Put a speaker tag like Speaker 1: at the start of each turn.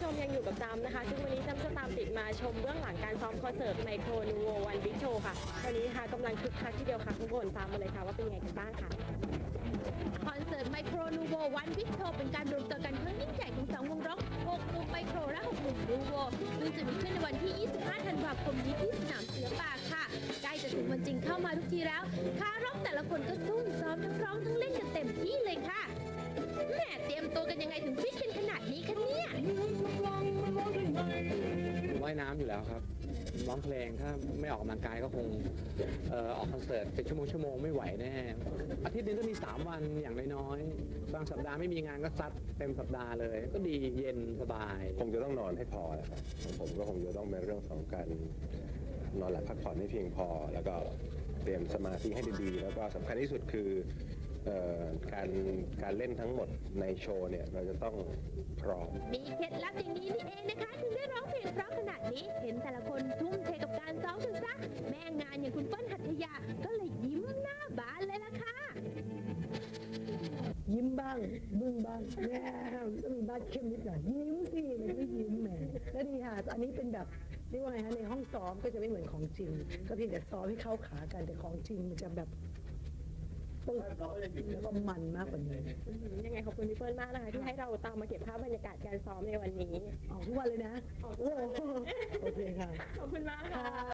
Speaker 1: ชมยังอยู่กับจำนะคะซึ่งวันนี้จำจะตามติดมาชมเบื้องหลังการซ้อมคอนเสิร์ตไมโครนูโววันบิ๊กโชว์ค่ะวันนี้ค่ะกำลังคึกคักทีเดียวค่ะทุกคนตามมาเลยค่ะว่าเป็นยังไงกันบ้างค่ะ
Speaker 2: คอนเสิร์ตไมโครนูโววันบิ๊กโชว์เป็นการรวมตัวกันครั้งยิ่งใหญ่ของ2วงร็อก6หนุ่มไมโครและ6หนุ่มนูโวซึ่งจะมีขึ้นในวันที่ 25 ธันวาคมนี้ที่สนามเสือป่าค่ะใกล้จะถึงวันจริงเข้ามาทุกทีแล้วขาร็อกแต่ละคนก็ซุ่มซ้อมทั้งร้องทั้งเล่นกันเต็มที่เลยค่ะแหมเตรียมตัวกันยังไงถึงฟิตกันขนาดนี้คะเนี่ย
Speaker 3: ว่ายน้ำอยู่แล้วครับร้องเพลงถ้าไม่ออกกำลังกายก็คงออกคอนเสิร์ตเป็นชั่วโมงไม่ไหวแน่อาทิตย์นึงก็มี3 วันอย่างน้อยๆบางสัปดาห์ไม่มีงานก็ซัดเต็มสัปดาห์เลยก็ดีเย็นสบาย
Speaker 4: คงจะต้องนอนให้พอแหละครับของผมก็คงจะต้องเป็นเรื่องของการนอนหลับพักผ่อนให้เพียงพอ แล้วก็เตรียมสมาธิให้ดีๆแล้วก็สำคัญที่สุดคือการเล่นทั้งหมดในโชว์เนี่ยเราจะต้องพร้อม
Speaker 2: มีเคล็ดลับอย่างนี้นี่เองนะคะถึงได้ร้องเพลงเพราะขนาดนี้เห็นแต่ละคนทุ่มเทกับการซ้อมถึงซะแม่งานอย่างคุณเปิ้ลหัตถยาก็เลยยิ้มหน้าบานเลยล่ะค่ะ
Speaker 5: ยิ้มบ้างบึ้งบ้างแง่ต้องมีบ้านเข้มนิดหน่อยยิ้มสิมันไม่ยิ้มแหมแล้วดีค่ะอันนี้เป็นแบบเรียกว่าไงฮะในห้องซ้อมก็จะไม่เหมือนของจริง ก็เพียงแต่ซ้อมให้เข้าขากันแต่ของจริงมันจะแบบปึ๊กแล้วก็มันมากกว่านี้
Speaker 1: ยังไงขอบคุณพี่เปิ้ลมากนะคะที่ให้เราตามมาเก็บภาพบรรยากาศการซ้อมในวันนี้
Speaker 5: ออกทุกวันเลยนะโอ้โอเคค่ะ
Speaker 1: ขอบคุณมากค่ะ